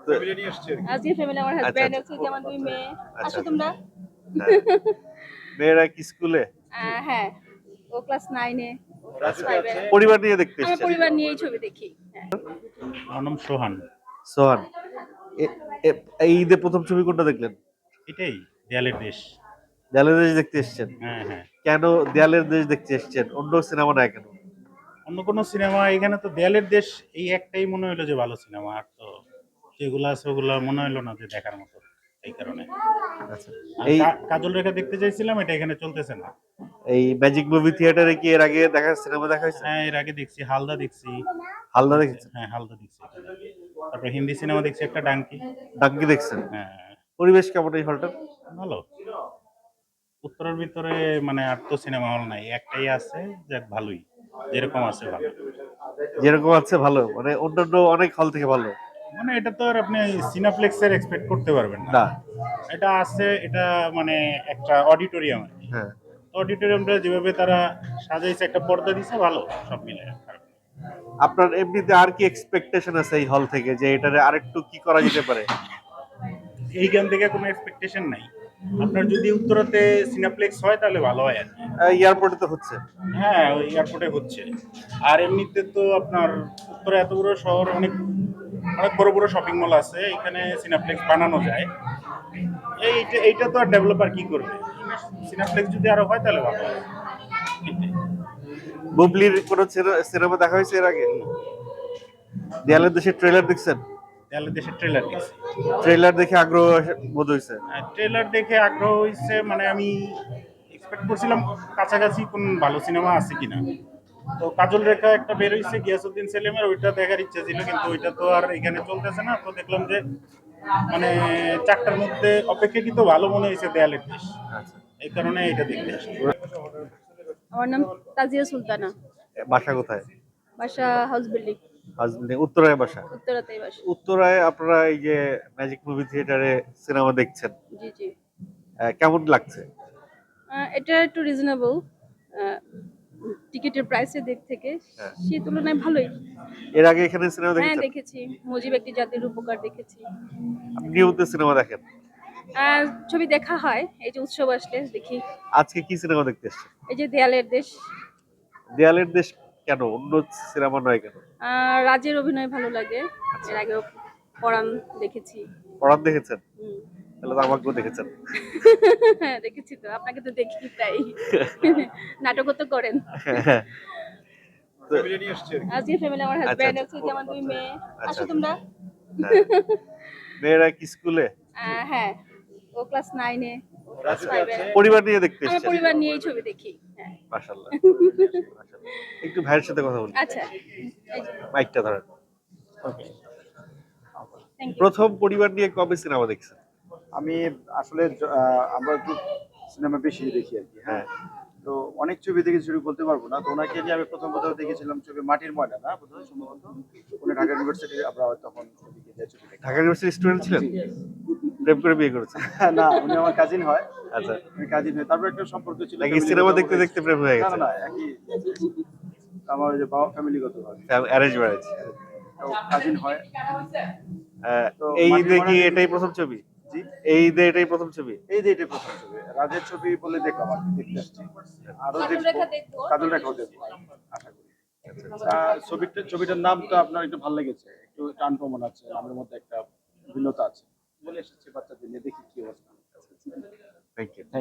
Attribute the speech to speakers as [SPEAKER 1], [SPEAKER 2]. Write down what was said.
[SPEAKER 1] Family নিয়ে আসছে
[SPEAKER 2] আজকে ফ্যামিলি আমার
[SPEAKER 1] আচ্ছা
[SPEAKER 2] হাজবেন্ড
[SPEAKER 1] আচ্ছা
[SPEAKER 2] আছে কি আমার দুই মেয়ে
[SPEAKER 1] আচ্ছা
[SPEAKER 2] আসো
[SPEAKER 1] আচ্ছা
[SPEAKER 2] তোমরা
[SPEAKER 1] হ্যাঁ মেয়েরা কি স্কুলে
[SPEAKER 2] হ্যাঁ ও ক্লাস 9 এ ও ক্লাস
[SPEAKER 1] আচ্ছা
[SPEAKER 2] 5 এ
[SPEAKER 1] পরিবার নিয়ে দেখতে
[SPEAKER 2] আমরা
[SPEAKER 1] এসেছেন
[SPEAKER 2] পরিবার নিয়েই ছবি দেখি হ্যাঁ
[SPEAKER 3] আমার নাম সোহান।
[SPEAKER 1] সোহান এ- এই ঈদে প্রথম ছবি কোনটা দেখলেন?
[SPEAKER 3] এটাই দেয়ালের দেশ।
[SPEAKER 1] দেয়ালের দেশ দেখতে এসেছেন?
[SPEAKER 3] হ্যাঁ হ্যাঁ,
[SPEAKER 1] কেন দেয়ালের দেশ দেখতে এসেছেন, অন্য সিনেমা নয় কেন?
[SPEAKER 3] অন্য কোনো সিনেমা এখানে তো দেয়ালের দেশ এই একটাই মনে হলো যে ভালো সিনেমা, আর তো যেগুলো আছে ওগুলো মনে হলো না যে দেখার মতো, এই কারণে।
[SPEAKER 1] আচ্ছা
[SPEAKER 3] আর
[SPEAKER 1] এই
[SPEAKER 3] কাজল রেখা দেখতে চাইছিলাম, এটা এখানে চলতেছে না।
[SPEAKER 1] এই ম্যাজিক মুভি থিয়েটারে কি এর আগে সিনেমা দেখা হয়েছে?
[SPEAKER 3] হ্যাঁ, এর আগে দেখছি হালদা দেখছি।
[SPEAKER 1] হালদা দেখেছেন?
[SPEAKER 3] হ্যাঁ, হালদা দেখছি এখানে। তারপর হিন্দি সিনেমা দেখছি একটা ডাঙ্কি।
[SPEAKER 1] ডাঙ্কি দেখছেন?
[SPEAKER 3] হ্যাঁ,
[SPEAKER 1] পরিবেশ কেমন এই হলটার?
[SPEAKER 3] ভালো। উত্তরের ভিতরে মানে আর তো সিনেমা হল নাই, একটাই আছে, যাক ভালোই, যেরকম আছে ভালো।
[SPEAKER 1] যেরকম আছে ভালো, মানে অন্যান্য অনেক হল থেকে ভালো
[SPEAKER 3] মানে এটা তো আর আপনি সিনাপ্লেক্সের এক্সপেক্ট করতে পারবেন না।
[SPEAKER 1] না?
[SPEAKER 3] এটা আছে, এটা মানে একটা অডিটোরিয়াম আর কি।
[SPEAKER 1] হ্যাঁ
[SPEAKER 3] অডিটোরিয়ামটা যেভাবে তারা সাজাইছে, একটা পর্দা দিছে, ভালো সব মিলে।
[SPEAKER 1] আপনার এমনিতে আর কি এক্সপেকটেশন আছে এই হল থেকে, যে এটারে আরেকটু কি করা যেতে পারে?
[SPEAKER 3] এইখান থেকে কোনো এক্সপেকটেশন নাই। আপনার যদি উত্তরাতে সিনাপ্লেক্স হয় তাহলে ভালো হয় আর কি।
[SPEAKER 1] এয়ারপোর্টে তো হচ্ছে।
[SPEAKER 3] হ্যাঁ, ওই এয়ারপোর্টে হচ্ছে। আর এমনিতে তো আপনার উত্তরে এত বড় শহর, অনেক অনেক বড় বড় শপিং মল আছে, এখানে সিনাপ্লেক্স বানানো যায়। এইটা তো আর ডেভেলপার কি করবে? সিনাপ্লেক্স যদি আরো হয় তাহলে ভালো হয়। এটাই।
[SPEAKER 1] বুবলির কোন সিনেমা দেখা হয়েছে এর আগে? দেয়ালের দেশের ট্রেলার দেখছেন?
[SPEAKER 3] তাহলে দেশের ট্রেলার দেখছি।
[SPEAKER 1] ট্রেলার দেখে আগ্রহ বোধ হয়েছে?
[SPEAKER 3] ট্রেলার দেখে আগ্রহ হয়েছে, মানে আমি এক্সপেক্ট করছিলাম কাছাকাছি কোন ভালো সিনেমা আছে কিনা। তো কাজল রেখা একটা বের হয়েছে গিয়াসউদ্দিন সেলিমের, ওইটা দেখার ইচ্ছা ছিল, কিন্তু ওইটা তো আর এখানে চলতেছে না। তো দেখলাম যে মানে চারটার মধ্যে অপেক্ষাকৃত ভালো মনে হয়েছে দেয়ালের দেশ,
[SPEAKER 1] আচ্ছা
[SPEAKER 3] এই কারণে এটা দেখতে আসলাম।
[SPEAKER 2] আমার নাম তাজিয়া সুলতানা
[SPEAKER 1] বাসা কোথায়?
[SPEAKER 2] বাসা হাউস বিল্ডিং
[SPEAKER 1] হাজবেন্ড উত্তরায় বাসা?
[SPEAKER 2] উত্তরাতেই বাসা
[SPEAKER 1] উত্তরায় আপনারা এই যে ম্যাজিক মুভি থিয়েটারে সিনেমা দেখছেন,
[SPEAKER 2] জি জি
[SPEAKER 1] কেমন লাগছে?
[SPEAKER 2] এটা একটু রিজনেবল টিকিটের প্রাইসের দিক থেকে
[SPEAKER 1] হ্যাঁ।
[SPEAKER 2] সেই তুলনায় ভালোই।
[SPEAKER 1] এর আগে এখানে সিনেমা
[SPEAKER 2] হ্যাঁ
[SPEAKER 1] দেখেছেন?
[SPEAKER 2] দেখেছি, মুজিব একটি জাতির উপকার দেখেছি।
[SPEAKER 1] আপনি নিয়মিত সিনেমা দেখেন?
[SPEAKER 2] ছবি দেখা হয়, এই যে উৎসব আসলে দেখি।
[SPEAKER 1] আজকে কি সিনেমা দেখতে এসেছেন?
[SPEAKER 2] এই যে দেয়ালের দেশ।
[SPEAKER 1] দেয়ালের দেশ কেন, অন্য সিনেমা নয় কেন?
[SPEAKER 2] রাজের অভিনয় ভালো লাগে।
[SPEAKER 1] আচ্ছা
[SPEAKER 2] এর আগেও পরাণ দেখেছি।
[SPEAKER 1] পড়ান দেখেছেন?
[SPEAKER 2] হুম।
[SPEAKER 1] তাহলে তো আমাকেও দেখেছেন।
[SPEAKER 2] হ্যাঁ দেখেছি তো, আপনাকে তো দেখি তাই। নাটকও তো করেন।
[SPEAKER 1] হ্যাঁ, তো ফ্যামিলি নিয়ে আসছে
[SPEAKER 2] আজকে ফ্যামিলি আমার
[SPEAKER 1] আচ্ছা
[SPEAKER 2] হাজবেন্ড
[SPEAKER 1] আচ্ছা
[SPEAKER 2] আছে কি আমার দুই মেয়ে
[SPEAKER 1] আচ্ছা
[SPEAKER 2] আসো
[SPEAKER 1] আচ্ছা
[SPEAKER 2] তোমরা
[SPEAKER 1] হ্যাঁ মেয়েরা কি স্কুলে?
[SPEAKER 2] হ্যাঁ ও ক্লাস 9 এ ও ক্লাস
[SPEAKER 1] আচ্ছা
[SPEAKER 2] 5 এ
[SPEAKER 1] পরিবার নিয়ে দেখতে
[SPEAKER 2] আমরা
[SPEAKER 1] এসেছেন?
[SPEAKER 2] পরিবার নিয়েই ছবি দেখি হ্যাঁ
[SPEAKER 1] মাশাআল্লাহ মাশাআল্লাহ। একটু ভাইয়ের সাথে কথা বলি,
[SPEAKER 2] আচ্ছা এই যে
[SPEAKER 1] মাইকটা ধরেন।
[SPEAKER 2] ওকে থ্যাংক ইউ
[SPEAKER 1] প্রথম পরিবার নিয়ে কবে সিনেমা দেখছেন?
[SPEAKER 4] আমি আসলে আমরা একটু সিনেমা বেশি দেখি আর কি।
[SPEAKER 1] হ্যাঁ
[SPEAKER 4] হ্যাঁ, তো অনেক ছবি দেখেছি, ছবি বলতে পারবো না। তো ওনাকে নিয়ে আমি প্রথম কোথাও দেখেছিলাম ছবি মাটির ময়না, না বোধহয় সম্ভবত উনি ঢাকা ইউনিভার্সিটি, আমরা তখন ওদিকে যে ছবি দেখি।
[SPEAKER 1] ঢাকা ইউনিভার্সিটির স্টুডেন্ট ছিলেন? প্রেম করে বিয়ে করেছেন?
[SPEAKER 4] না, উনি আমার কাজিন হয়।
[SPEAKER 1] আচ্ছা
[SPEAKER 4] উনি কাজিন হয়, তারপর একটা সম্পর্ক ছিল
[SPEAKER 1] নাকি
[SPEAKER 4] ফ্যামিলিগত
[SPEAKER 1] সিনেমা দেখতে
[SPEAKER 4] ভাবে।
[SPEAKER 1] দেখতে প্রেম হয়ে
[SPEAKER 4] না
[SPEAKER 1] গেছে?
[SPEAKER 4] না না, একই আমার ওই যে বাবা ফ্যামিলিগত ভাবে
[SPEAKER 1] অ্যারেঞ্জ ম্যারেজ?
[SPEAKER 4] তো কাজিন হয়। তো
[SPEAKER 1] এই
[SPEAKER 4] মাটির
[SPEAKER 1] ঈদে
[SPEAKER 4] ময়না
[SPEAKER 1] কি
[SPEAKER 4] দেখেছি।
[SPEAKER 1] এটাই প্রথম ছবি?
[SPEAKER 4] জি,
[SPEAKER 1] এই ঈদে এটাই প্রথম ছবি?
[SPEAKER 4] এই যে এটা প্রথম ছবি, রাজের ছবি বলে দেখলাম আর কি, দেখতে আসছি। আরো
[SPEAKER 2] কাজল
[SPEAKER 4] দেখবো,
[SPEAKER 2] রেখা দেখবো।
[SPEAKER 4] কাজল রেখাও দেখবো আশা করি। ছবিটার নামটা আপনার একটু ভালো লেগেছে, একটু টান প্রমাণ আছে, নামের মধ্যে একটা ভিন্নতা আছে বলে এসেছি বাচ্চাদের নিয়ে, দেখি কি অবস্থা।